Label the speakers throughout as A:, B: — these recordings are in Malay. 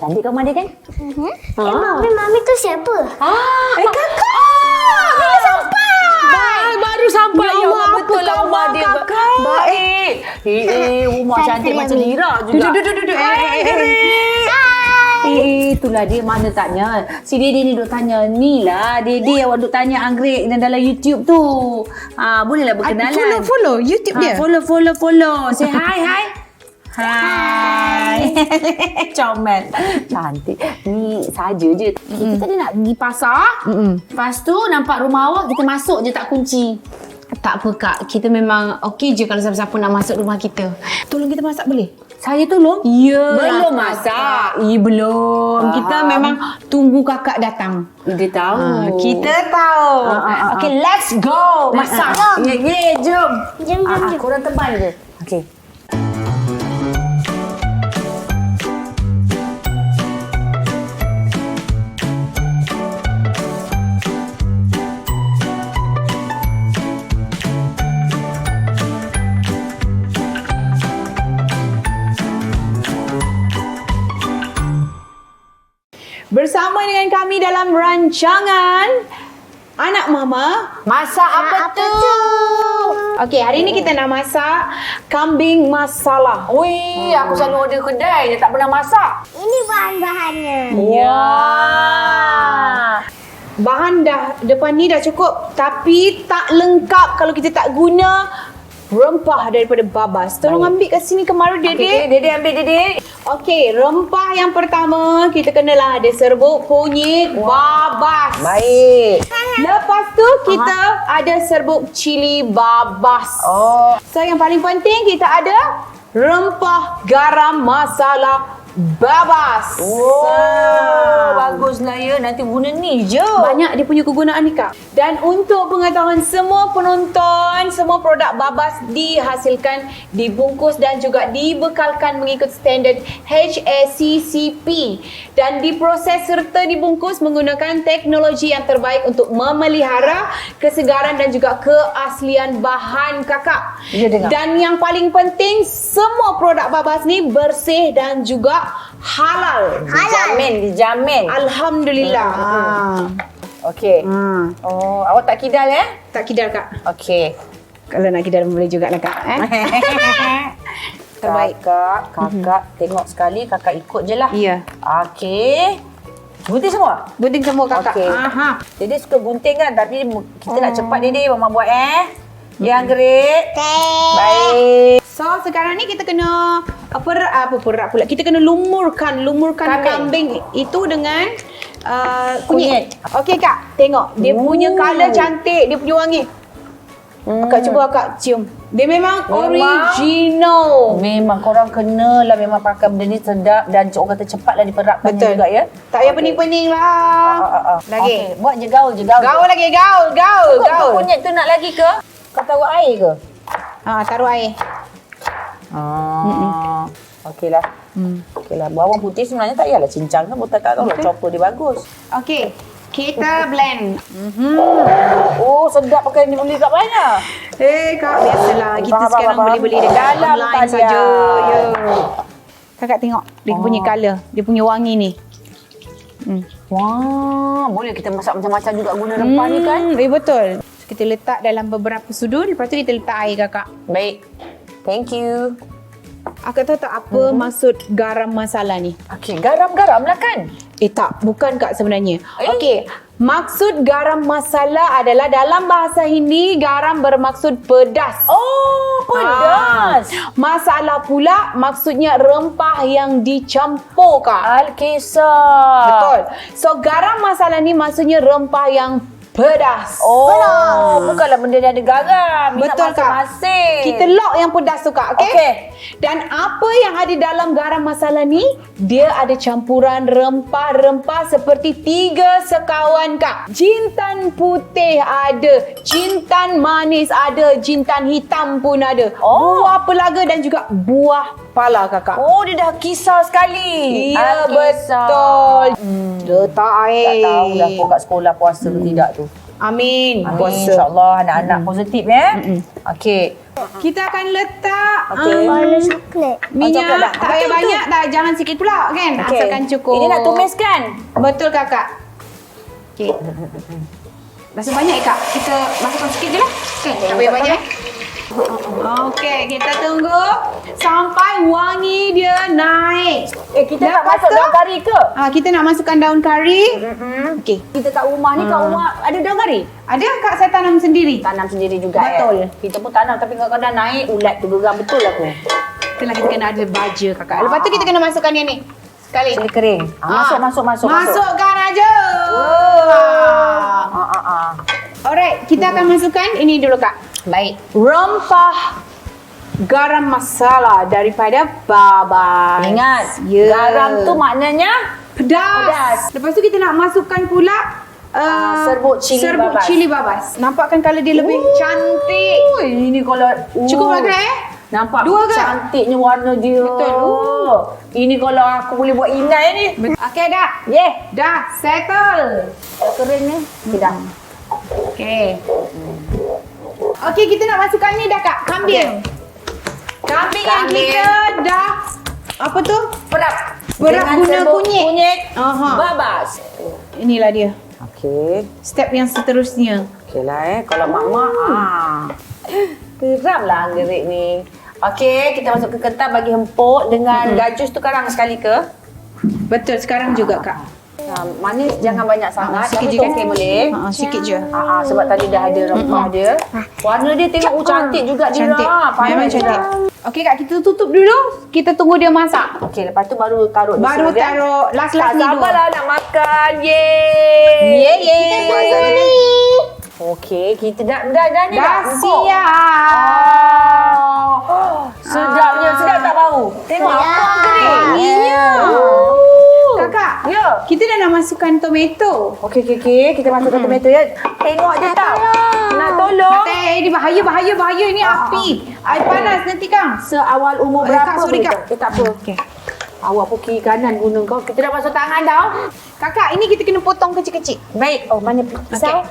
A: Cantik kat rumah dia kan?
B: Mami tu siapa?
A: Kakak! Bila sampai? Baru sampai.
C: Ya Allah, betul lah rumah dia.
A: Kakak.
C: Baik.
A: Rumah cantik
B: Saya
A: macam
B: ambil.
A: Lira juga.
C: Duduk.
A: Itulah dia mana tanya. Si Dede ni duk tanya. Ni lah Dede awak duk tanya anggrek dan dalam YouTube tu. Bolehlah berkenalan.
C: Follow YouTube dia.
A: Follow. Say hi. Hai. Comel. Cantik. Ni saja je. Kita tadi nak pergi pasar. Lepas tu nampak rumah awak, kita masuk je tak kunci.
C: Tak apa Kak, kita memang okey je kalau siapa-siapa nak masuk rumah kita. Tolong kita masak boleh?
A: Saya tolong?
C: Ya.
A: Belum masak.
C: Belum. Kita memang tunggu kakak datang.
A: Dia tahu.
C: Kita tahu. Okey, let's go. Masak.
A: Jom.
B: Jom.
A: Korang teman je. Okey.
C: Bersama dengan kami dalam rancangan Anak Mama Masak Apa Tu? Okey, hari ni kita nak masak kambing masala.
A: Ui, aku selalu order kedai. Dia tak pernah masak.
B: Ini bahan-bahannya.
C: Ya. Bahan dah depan ni dah cukup, tapi tak lengkap kalau kita tak guna rempah daripada Babas. Tolong ambil kat sini kemaru Dede.
A: Okay, Dede ambil Dede.
C: Okey, rempah yang pertama kita kenalah ada serbuk kunyit Babas.
A: Baik.
C: Lepas tu kita ada serbuk cili Babas.
A: Oh.
C: So yang paling penting kita ada rempah garam masala Babas.
A: Baguslah ya. Nanti guna ni je.
C: Banyak dia punya kegunaan ni Kak. Dan untuk pengetahuan semua penonton, semua produk Babas dihasilkan, dibungkus dan juga dibekalkan mengikut standard HACCP dan diproses serta dibungkus menggunakan teknologi yang terbaik untuk memelihara kesegaran dan juga keaslian bahan Kakak.
A: Ya, dengar.
C: Dan yang paling penting, semua produk Babas ni bersih dan juga halal.
A: Dijamin.
C: Alhamdulillah.
A: Okey. Oh, awak tak kidal
C: Tak kidal Kak.
A: Okey.
C: Kalau nak kidal boleh juga lah Kak. Terbaik.
A: Kakak tengok sekali, kakak ikut je lah.
C: Ya.
A: Okey. Gunting semua?
C: Gunting semua Kakak.
A: Okey.
C: Aha.
A: Dede suka gunting kan, tapi kita nak cepat Dede, Mama buat Ya, anggrek. Baik.
C: So sekarang ni kita kena perak pula. Kita kena lumurkan kambing itu dengan kunyit. Okey Kak, tengok dia punya colour cantik, dia punya wangi. Kakak cuba Kak cium. Dia memang original.
A: Memang korang kenalah memang pakai benda ni sedap dan orang kata cepatlah diperapkannya
C: Betul.
A: juga ya.
C: Tak payah pening-pening lah. Lagi.
A: Okay. Buat je gaul je.
C: Gaul lagi, gaul.
A: Kunyit tu nak lagi ke? Kau taruh air ke?
C: Taruh air.
A: Okeylah. Okeylah. Bawang putih sebenarnya tak payahlah cincang kan. Buat tak tahu lah chopper dia bagus.
C: Okey. Kita blend.
A: Oh, sedap pakai ni beli kat mana?
C: Kak, biasalah. Kita sekarang beli-beli dekat
A: Dalam
C: online
A: talian.
C: saja. Ya. Kakak tengok dia punya colour, dia punya wangi ni.
A: Wah, boleh kita masak macam-macam juga guna rempah ni kan?
C: Betul. Kita letak dalam beberapa sudut, lepas tu kita letak air Kakak.
A: Baik. Thank you.
C: Akak tahu tak apa maksud garam masala ni?
A: Okey, garam-garam lah kan?
C: Tak, bukan Kak sebenarnya. Okey, maksud garam masala adalah dalam bahasa Hindi, garam bermaksud pedas.
A: Oh, pedas.
C: Masala pula maksudnya rempah yang dicampur Kak.
A: Alkisah.
C: Betul. So garam masala ni maksudnya rempah yang pedas.
A: Oh, bukanlah benda yang ada garam.
C: Betul Kak.
A: Masing-masing.
C: Kita lock yang pedas tu Kak, okey?
A: Okey.
C: Dan apa yang ada dalam garam masala ni, dia ada campuran rempah-rempah seperti 3 sekawan Kak. Jintan putih ada, jintan manis ada, jintan hitam pun ada. Buah pelaga dan juga buah pala Kakak.
A: Oh, dia dah kisah sekali.
C: Ya,
A: Alkisah.
C: betul. Letak air.
A: Tak tahu dah kau kat sekolah puasa ke tidak tu.
C: Amin. Puasa.
A: InsyaAllah anak-anak positif Okey.
C: Kita akan letak
B: Warna coklat.
C: minyak.
A: coklat dah.
C: Tak payah banyak dah. Jangan sikit pula kan.
A: Okey.
C: Asalkan cukup.
A: Ini nak tumis kan?
C: Betul kakak. Okey. Rasa banyak kak? Kita masukkan sikit je lah. Kan? Tak payah banyak. Okey, kita tunggu sampai wangi dia naik.
A: Kita tak
C: Lepas
A: masuk
C: tu-
A: daun kari ke?
C: Kita nak masukkan daun kari. Okey.
A: Kita kat rumah ni, kat rumah ada daun kari?
C: Ada kak saya tanam sendiri.
A: Tanam sendiri juga
C: Betul.
A: Kita pun tanam tapi kadang-kadang naik ulat tu geram betul aku.
C: Itulah kita kena ada baja kakak. Lepas tu kita kena masukkan yang ni. Sekali.
A: Cili kering. Masuk.
C: Masukkan aja. Alright, kita akan masukkan ini dulu kak.
A: Baik.
C: Rempah garam masala daripada babas.
A: Ingat,
C: Ya.
A: garam tu maknanya
C: Pedas. Lepas tu kita nak masukkan pula
A: serbuk cili babas.
C: Nampak kan kalau dia lebih cantik.
A: Ini kalau
C: Cukup lah kak
A: nampak
C: Dua ke?
A: cantiknya warna dia.
C: Betul.
A: Ini kalau aku boleh buat inai ni.
C: Okey dah. Dah settle.
A: Kering ni. Tidak.
C: Okey. Okey, kita nak masukkan ni dah kak. Kambing. Kambing yang
A: Kambing.
C: kita dah apa tu?
A: Perap.
C: Perap
A: Dengan
C: guna
A: serbuk
C: kunyit.
A: babas.
C: Inilah dia.
A: Okey.
C: Step yang seterusnya.
A: Okeylah kalau mak-mak geram lah anggerik ni. Okey, kita masuk ke ketan bagi empuk dengan gajus tu karang sekali ke?
C: Betul, sekarang juga kak.
A: Manis jangan banyak sangat.
C: Sikit je
A: Tapi
C: kan?
A: okey boleh.
C: Sikit je.
A: Sebab tadi dah ada rempah dia. Warna dia tengok cantik juga dia.
C: Cantik.
A: Pandai
C: Memang
A: juga.
C: cantik. Okey kak, kita tutup dulu. Kita tunggu dia masak.
A: Okey, lepas tu baru taruh di
C: Baru
A: sini, kan?
C: taruh last
A: Tak
C: ni dulu.
A: sabarlah nak makan. Yeay.
C: Yeay.
A: Okey, kita dah ni
C: Dah
A: empuk.
C: siap.
A: Sedapnya, sedap tak bau? Tengok
B: Sedap.
A: apa anggerik.
C: Iya. Kakak,
A: Ya.
C: kita dah nak masukkan tomato.
A: Okey. Kita masukkan tomato ya. Tengok je tau. Nak tolong.
C: Ini bahaya ini api. Air panas nanti kang.
A: Seawal umur
C: Eh,
A: berapa
C: Kak, sorry,
A: boleh
C: Kak.
A: tak? Tak apa.
C: Okey.
A: Awak pun kiri kanan guna kau. Kita dah masuk tangan tau.
C: Kakak, ini kita kena potong kecil-kecil.
A: Baik. Oh, mana pisau?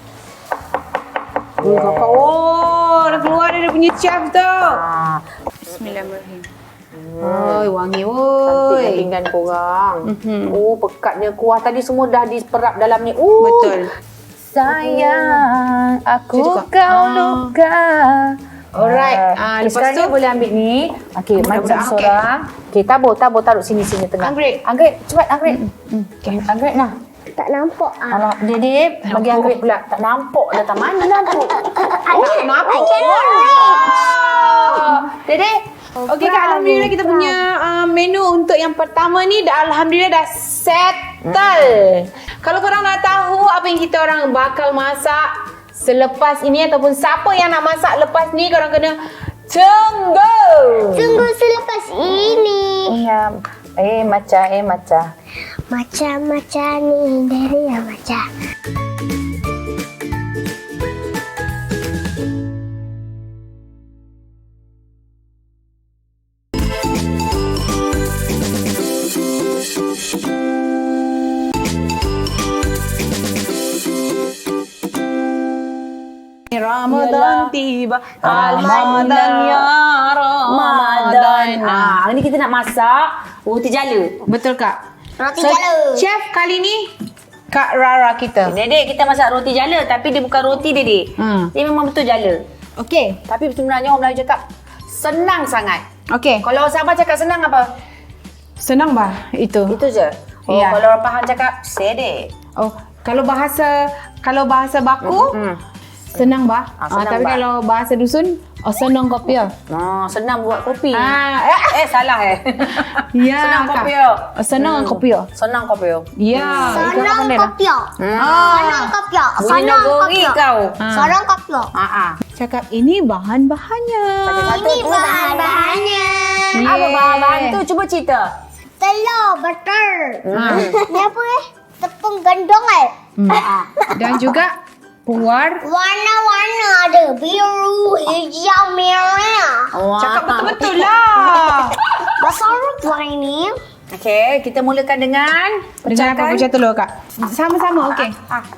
C: Kakak, dah keluar dia punya chef tu. Bismillahirrahmanirrahim. Oi, wangi
A: Cantiknya
C: oi.
A: pinggan korang.
C: Mhm.
A: Oh, pekatnya kuah tadi semua dah diperap dalam ni.
C: Betul.
A: Sayang, aku
C: Saya juga.
A: kau luka.
C: Alright.
A: Okay,
C: Lepas
A: sekarang
C: tu
A: ni boleh ambil ni. Okey, mari
C: Budak-budak,
A: seorang. Okey, tabur taruh sini tengah.
C: Anggrek.
A: Anggrek, cepat Anggrek. Okey, Anggrek nah.
B: Tak nampak.
A: Kalau Dedek bagi Anggrek pula. Tak nampak dah tak mana nampak.
C: nampak.
A: Dedek.
C: Okey Kak, alhamdulillah kita punya menu untuk yang pertama ni alhamdulillah dah settle. Kalau korang nak tahu apa yang kita orang bakal masak selepas ini ataupun siapa yang nak masak lepas ni, korang kena tunggu.
B: Tunggu selepas ini.
A: Iya. Macam.
B: Macam-macam ni dari yang macam.
C: Ramadan tiba.
A: Ramadan ya Ramadan. Hari ni kita nak masak roti jala.
C: Betul Kak.
B: Roti jala.
C: Chef kali ni Kak Rara kita.
A: Dedek kita masak roti jala tapi dia bukan roti Dedek. Dia memang betul jala.
C: Okey.
A: Tapi sebenarnya orang Melayu cakap senang sangat.
C: Okey.
A: Kalau orang Sabah cakap senang apa?
C: Senang bah itu.
A: Itu je. Oh,
C: Ya.
A: kalau orang Pahang cakap sedek.
C: Oh, kalau bahasa baku senang bah.
A: Senang,
C: Tapi
A: bah.
C: kalau bahasa dusun senang kopi ya.
A: Senang buat kopi. Salah
C: Ya.
A: Senang
C: Kak.
A: kopi ya.
C: Senang kopi ya.
A: Senang kopi ya.
C: Ya.
B: Senang kopiok. Senang kopiok.
A: Bunyi
B: Senang
A: negeri
B: kopiok.
A: kau.
B: Senang kopiok.
C: Cakap ini bahan-bahannya.
B: Ini bahan-bahannya.
A: Apa bahan-bahan tu? Cuba cerita.
B: Telur, butter. Ni apa tepung gandum
C: Dan juga puar.
B: Warna-warna ada. Biru, hijau, merah.
C: Cakap betul-betul lah.
B: Besar apa ini?
A: Okey, kita mulakan dengan
C: Dengan apa? Pecah telur, Kak. Sama-sama, okey.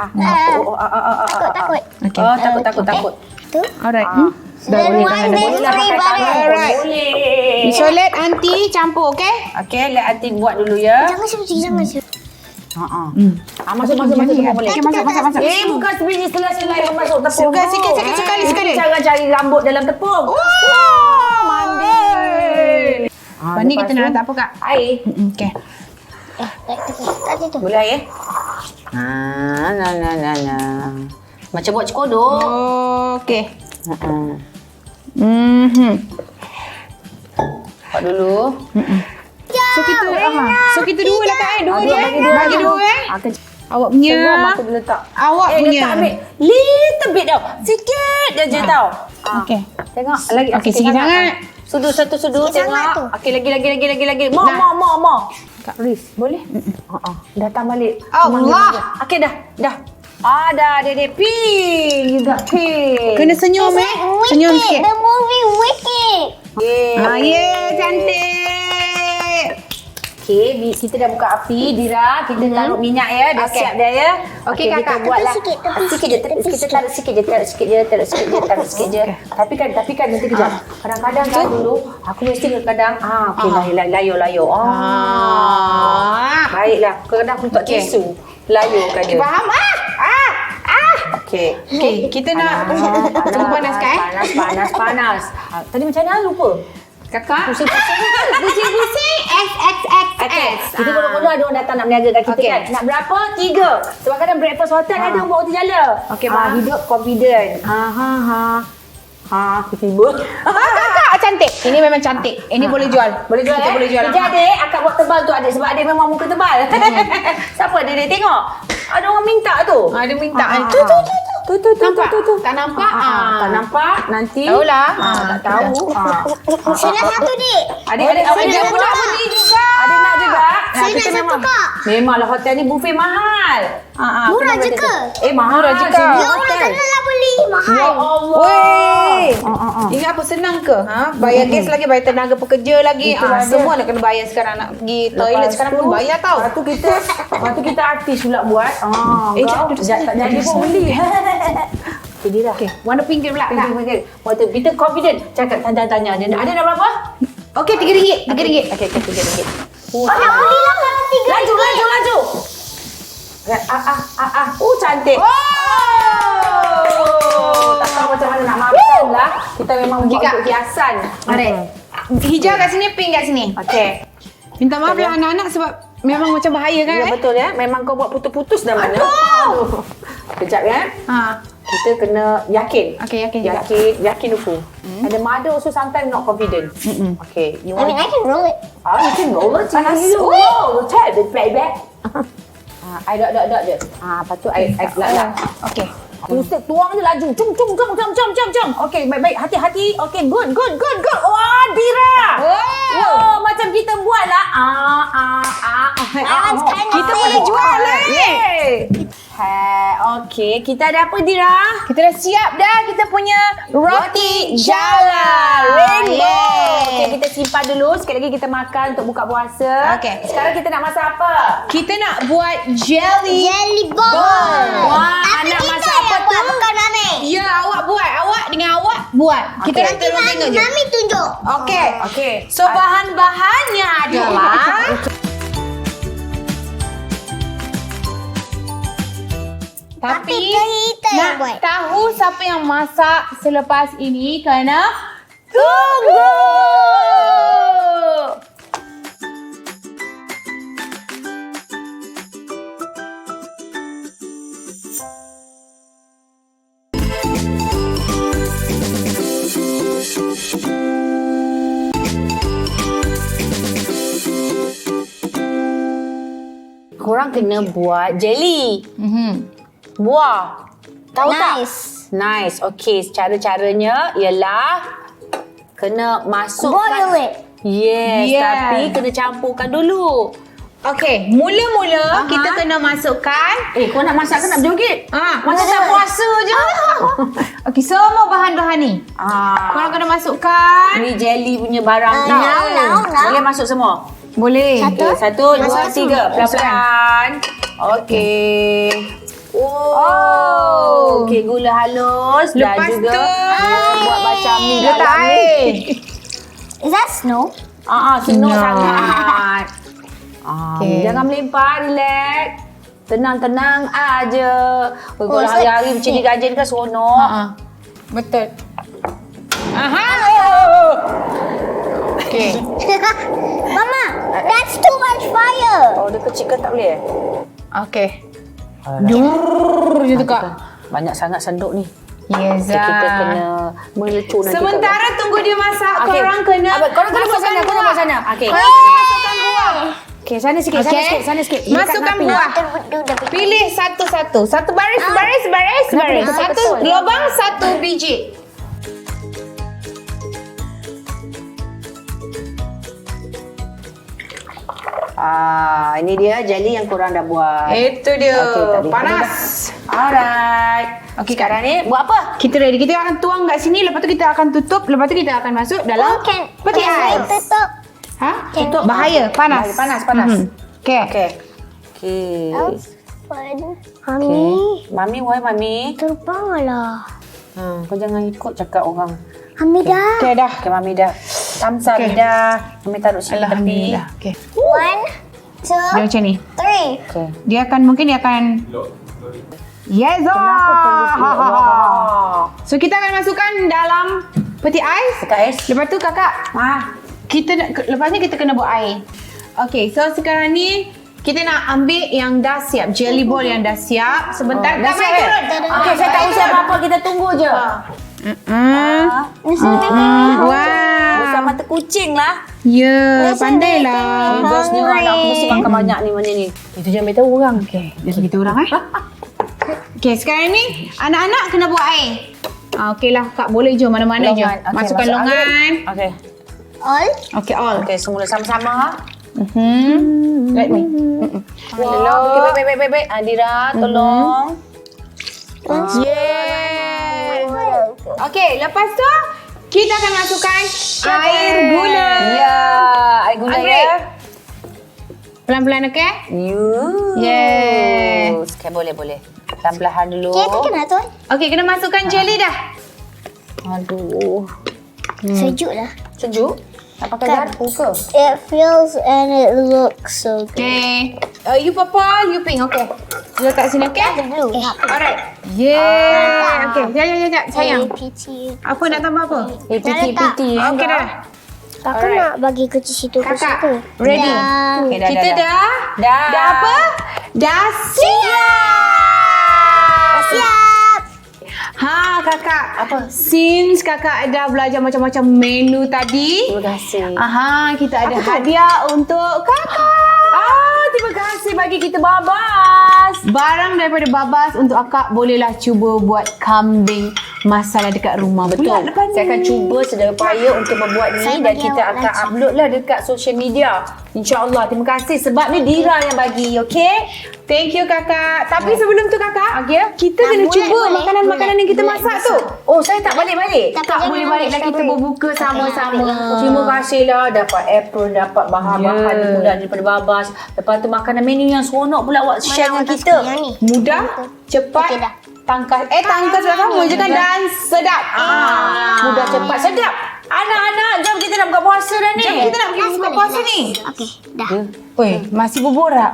B: Takut.
C: Okey.
A: Oh, takut.
B: Tu.
C: Alright.
B: Dan one, two, three, balik.
C: Alright.
A: Boleh.
C: So, let aunty campur, okey?
A: Okey, let aunty buat dulu ya.
B: Jangan seperti jangan seperti.
A: Masuk semua boleh.
C: Okey, masuk.
A: Bukan sebiji selai-selai masuk tepung.
C: Sikit, sekali.
A: Cara cari rambut dalam tepung. Mandi.
C: Lepas ni kita nak letak apa, Kak?
A: Air.
C: Okey.
B: Tadi tu.
A: Boleh air? Nah. Macam buat cekodok.
C: Okey.
A: Buat dulu.
C: So kita dua lah, Kak. Dua je. Bagi dua. Awak
A: Semua
C: punya.
A: aku boleh letak.
C: Awak punya.
A: Letak ambil little bit tau. Sikit je tau.
C: Okey.
A: Tengok lagi.
C: Okey, sikit sangat.
A: Satu sudu
B: Sikit sangat tu.
A: tengok. Okey, lagi. More. Kak Riz, boleh? Datang balik.
C: Allah.
A: Okey dah. Dah dia pink. You got pink.
C: Kena senyum, Senyum sikit.
B: The movie Wicked.
A: Yeah.
C: Cantik.
A: Okey, kita dah buka api, Dira. Kita taruh minyak ya. Dah siap dah ya.
C: Okey,
A: kita
C: Kakak.
A: buatlah.
B: Tepi
A: Sikit je. Kita taruh sikit je. Tapi kan nanti kejap. Kadang-kadang kan dulu, aku mesti kadang okey layu. Baiklah. Kadang aku letak tisu. Layukan dia.
C: Faham?
A: Okey.
C: Okey, kita nak tunggu panas, Kak.
A: Panas. Tadi macam mana lupa?
C: Kakak.
A: Pusing-pusing.
C: XXXX.
A: Kita bodoh-bodoh ada orang datang nak berniagakan kita kan. Nak berapa? 3. Sebab kadang breakfast hotel ada orang bawa roti jala.
C: Okey, baik.
A: Hidup confident. Tiba.
C: Kakak cantik. Ini memang cantik. Ini boleh jual. Kita boleh jual.
A: Kerja adik, akak buat tebal tu adik. Sebab adik memang muka tebal. Siapa adik tengok? Ada orang minta tu.
C: Ada minta.
A: Tu.
C: Tak nampak?
A: Tak nampak. Nanti.
C: Tahulah.
A: Tak tahu.
B: Sana satu, Dik.
A: Adik
C: Saya
A: dia
C: pun nak beli juga.
A: Adik nak juga.
B: Saya nak satu, Kak.
A: Memanglah hotel ni buffet mahal.
B: Murah je ke?
A: Mahal
C: Murah je ke?
A: sini
B: Ya Allah,
A: hotel.
B: janganlah beli. Mahal.
A: Ya Allah.
C: Weh. Ingat apa senang ke? Bayar gas lagi, bayar tenaga pekerja lagi.
A: Itulah dia.
C: Semua nak kena bayar sekarang. Nak pergi toilet sekarang pun bayar tau.
A: Lepas tu kita artis pula buat.
C: jap,
A: Tak jadi pun beli. Okay, Dira.
C: Okey, warna pink pula, Kak.
A: Waktu kita confident. Cakap tanya. Ada nak berapa?
C: Okey, RM3.
A: Okey, RM3.
B: Nak belilah kalau 3.
A: Laju. Cantik. Tak tahu macam mana nak makan lah. Kita memang buat untuk hiasan.
C: Mari. Hijau kat sini, pink kat sini.
A: Okey.
C: Minta maaf ya anak-anak sebab memang macam bahaya kan?
A: Ya betul ya. Memang kau buat putus-putus dah mana. Aduh. Kejap ya. Kita kena yakin.
C: Okey, yakin juga.
A: Yakin dulu. Ada mother also sometimes not confident. Okay. You
B: I mean, I can roll it.
A: you can roll it.
C: Panas.
A: Try the playback. I dot je. Lepas tu I lah.
C: Okey.
A: Ustaz tuang je laju. Jom. Okey, baik. Hati-hati. Okey, good. Wah, Dira. Wow, macam kita buat lah.
C: Kita boleh jual lah.
A: Okey, kita ada apa, Dira?
C: Kita dah siap dah kita punya roti jala.
A: Rainbow. Okey, kita simpan dulu. Sekali lagi kita makan untuk buka puasa.
C: Okey.
A: Sekarang kita nak masak apa?
C: Kita nak buat jelly.
B: Jelly ball.
A: Wah,
B: Tapi
A: anak
B: kita
A: masak
B: yang
A: apa
B: buat,
A: tu?
B: bukan Mami.
C: Ya, awak buat. Awak dengan awak buat. Kita
A: Okey.
C: nanti orang tengok je.
B: Mami tunjuk.
C: Okey. So bahan-bahannya adalah
B: Tapi kita yang
C: nak
B: buat.
C: tahu siapa yang masak selepas ini kena tunggu.
A: Korang kena buat jelly. Buah. Tahu tak? Nice. Okey, cara-caranya ialah kena masukkan.
B: Boil it.
A: Yes,
C: Yeah.
A: tapi kena campurkan dulu.
C: Okey, mula-mula kita kena masukkan
A: Kau nak masak ke nak berjoget?
C: macam tak puasa je. Okey, semua bahan-bahan ni. Korang kena masukkan.
A: Ni jelly punya barang tau.
B: Now.
A: Boleh masuk semua?
C: Boleh.
B: Satu.
A: Okay, 1, 2, 3. Pelan-pelan. Okey. Oh. Okey, gula halus.
C: Lepas
A: dan juga
C: tu,
A: buat macam ni
C: letak
A: dalam ni.
C: air.
B: Is that snow?
A: Senang
C: No.
A: sangat.
C: Okey.
A: Jangan melempar, relax. Tenang-tenang aja. Kalau
B: so-
A: hari-hari macam ni gajen kan seronok.
C: Betul. Aha. Okey.
B: Mama, that's too much fire.
A: Oh, dia kecil ke tak boleh?
C: Okey. Dur je tu Kak.
A: Banyak sangat senduk ni.
C: Yes.
A: Okay, kita kena melecur nanti.
C: Sementara tunggu dia masak,
A: Okey.
C: korang kena
A: Korang kena buat sana,
C: masukkan
A: korang buat
C: buah.
A: sana. Okey.
C: Korang kena masukkan buah.
A: Okey, sana sikit,
C: Okey.
A: sana sikit.
C: Masukkan
A: Dekat
C: buah.
A: api.
C: Pilih satu-satu. Satu baris.
A: Kenapa?
C: Satu
A: Betul.
C: lubang, satu biji.
A: Ini dia jelly yang korang dah buat.
C: Itu dia.
A: Okey, tak boleh.
C: Panas.
A: Alright. Okey, sekarang ni buat apa?
C: Kita ready. Kita akan tuang kat sini. Lepas tu kita akan tutup. Lepas tu kita akan masuk dalam peti ais.
B: Tutup.
C: Ha?
A: Tutup.
C: Bahaya. Panas.
A: Panas, panas.
C: Okey.
A: Okey. Okey.
B: Mami,
A: Mami, why Mami?
B: terbanglah.
A: Kau jangan ikut cakap orang.
B: Hamidah.
C: Okey dah.
A: Okey, Mami dah. Tamsa
C: Okey.
A: dah. Mami taruh sini tepi.
C: Alhamdulillah. Okey.
B: 1, 2,
C: Dia macam ni.
B: 3.
A: Okey.
C: Dia akan Yes.
A: Kenapa perlu
C: So kita akan masukkan dalam peti ais.
A: Dekat ais.
C: Lepas tu kakak, lepas ni kita kena buat air. Okay, so sekarang ni kita nak ambil yang dah siap, jelly ball yang dah siap. Sebentar,
A: Dah
C: Kak
A: siap,
C: Mai
A: eh?
C: turun.
A: Okey, saya tak usia apa-apa. Kita tunggu je.
C: Wow.
A: Besar mata kucing lah.
C: Ya, pandailah.
A: Bos ni orang aku mesti makan banyak ni macam ni. Itu jangan beritahu orang.
C: Okay, jadi kita orang Okay, sekarang ni anak-anak kena buat air. Okey lah, Kak boleh je mana-mana je.
A: Longan. Okey,
C: Masukkan
A: masuk
C: longan.
A: Okey.
B: All.
C: Okay, all.
A: Okey, semula sama-sama.
C: Let me.
A: Wow. Okey, baik. Adira, tolong.
C: Yeah. Okey, lepas tu kita akan masukkan air gula.
A: Ya, air gula
C: Ambil.
A: ya.
C: Pelan-pelan, okey?
A: Yeah. Okay, boleh. Pelan-pelan dulu.
B: Okay, tu kena tu.
C: Okey, kena masukkan jelly dah.
A: Aduh.
B: Sejuk lah.
A: Sejuk? Tak pakai garpu ke?
B: It feels and it looks so good.
C: Okay. You purple, you pink. Okay. Letak sini, okay?
B: Dulu.
C: Alright. Yeah. Okay. Sekejap, sayang.
B: PT.
C: Apa nak tambah apa?
A: Piti.
C: Okay dah.
B: Kakak nak bagi ke situ ke
C: Kakak,
B: situ.
C: ready?
B: Dah.
A: Okay, dah,
C: Kita dah.
A: Dah.
C: Dah apa? Dah siap. Kakak.
A: Apa?
C: Since kakak dah belajar macam-macam menu tadi.
A: Terima kasih.
C: Kita ada hadiah untuk kakak.
A: Terima kasih bagi kita Babas.
C: Barang daripada Babas untuk akak bolehlah cuba buat kambing masala dekat rumah.
A: Betul.
C: Pula lepas
A: Saya akan
C: ni.
A: cuba sedaya upaya untuk membuat ni
B: Saya
A: dan
B: bagi
A: kita
B: awak
A: akan
B: lagi.
A: upload lah dekat social media. InsyaAllah. Terima kasih sebab ni Dira yang bagi, okey?
C: Thank you kakak. Tapi sebelum tu kakak, kita kena
B: boleh,
C: cuba
B: boleh.
C: makanan-makanan yang kita
B: Boleh,
C: masak
B: bisa.
C: tu.
A: Oh, saya tak balik-balik.
B: Tapi
C: Tak
B: jangan
C: boleh
B: ambil
C: balik dan kita
B: strawberry.
C: berbuka sama-sama.
A: Terima kasih lah dapat apron, dapat bahan-bahan
C: Ya.
A: pula daripada Babas. Lepas tu makanan menu yang seronok pula awak share dengan
B: Mana
A: kita.
B: yang ni?
C: Mudah, cepat,
B: Okey dah.
C: tangkas. Tangkas dah sama je kan dan sedap.
A: Mudah, cepat, sedap. Anak-anak, jom kita nak buka puasa dah ni.
C: Jom kita nak pergi buka puasa ni.
B: Okey, dah.
C: Oi, masih berborak.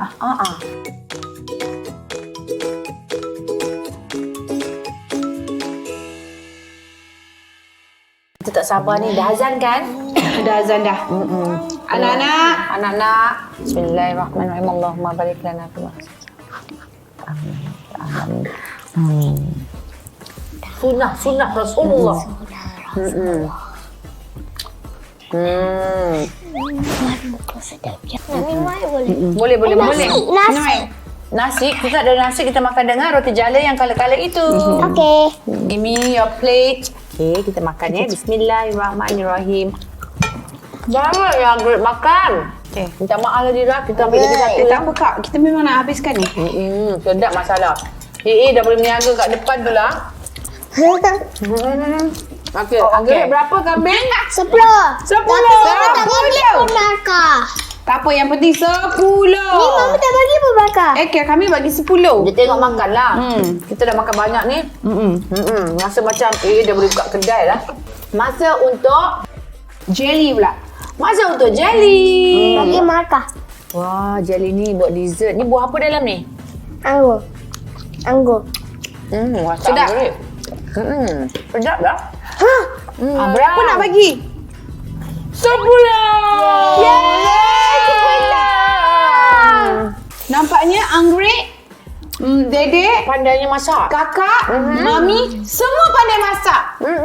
A: Kita tak sabar ni. Dah azan kan?
C: Dah azan dah. Anak-anak,
A: Anak-anak. Bismillahirrahmanirrahim. Allahumma barik lana fi ma Sunnah Rasulullah.
B: Nak minum air boleh?
A: Boleh.
B: Nasi.
A: Nasi, kita ada nasi, kita makan dengan roti jala yang kala-kala itu.
B: Okey.
A: Give me your plate. Okay, kita makan ya. Bismillahirrahmanirrahim. Jangan ya, great makan. Okay, minta maaf lah Dira, kita ambil lagi satu.
C: tak apa kak, kita memang nak habiskan ni.
A: Sedap masalah. Dah boleh meniaga kat depan tu lah. Okey,
C: Okey.
A: Anggrek berapa kambing?
B: 10.
C: 10.
B: Tapi tak boleh pun markah.
C: Tak apa, yang penting 10.
B: Ni mama tak bagi pun bakar.
C: Okay, kami bagi 10.
A: Dia tengok makan lah. Kita dah makan banyak ni. Rasa macam dah boleh buka kedai lah. Masa untuk
C: Jelly pula.
A: Masa untuk jelly.
B: Bagi markah.
A: Wah, jelly ni buat dessert. Ni buah apa dalam ni?
B: Anggur. Anggur.
A: Sedap. Sedap dah.
C: Berapa nak bagi? 10. Nampaknya anggrek, Dedek,
A: Pandainya masak.
C: kakak, mami, semua pandai masak.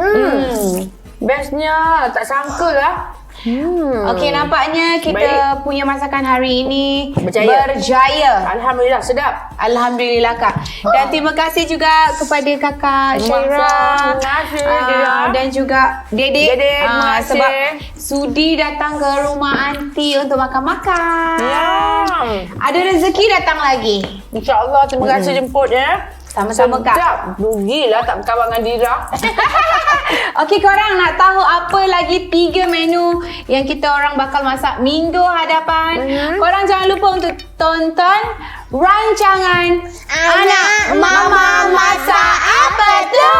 A: Bestnya. Tak sangka lah.
C: Okey, nampaknya kita punya masakan hari ini berjaya.
A: Alhamdulillah, sedap.
C: Alhamdulillah, Kak. Dan terima kasih juga kepada Kakak Syaira.
A: Terima kasih, Dira.
C: Dan juga Dedek.
A: Dedek, terima kasih.
C: Sebab sudi datang ke rumah aunty untuk makan-makan.
A: Ya.
C: Ada rezeki datang lagi.
A: InsyaAllah, terima kasih jemput ya.
C: Sama-sama, Kak.
A: Sedap. Rugilah tak berkawan dengan Dira.
C: Okey, korang nak tahu apa lagi 3 menu yang kita orang bakal masak minggu hadapan? Korang jangan lupa untuk tonton rancangan Anak Mama Masak Apa Tu.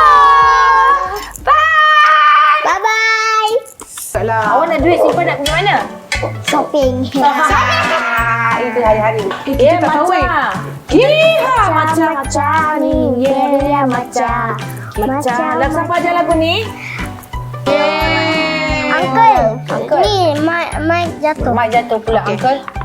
C: Bye!
B: Bye-bye.
A: Awak nak duit simpan nak pergi mana?
B: Shopping.
A: Itu hari-hari.
C: Kita tak tahu,
B: Macam ni. Yeah, macam.
A: Lagu siapa aja lagu ni?
B: Uncle. Ni, Mike jatuh.
A: Mak jatuh pula, Uncle.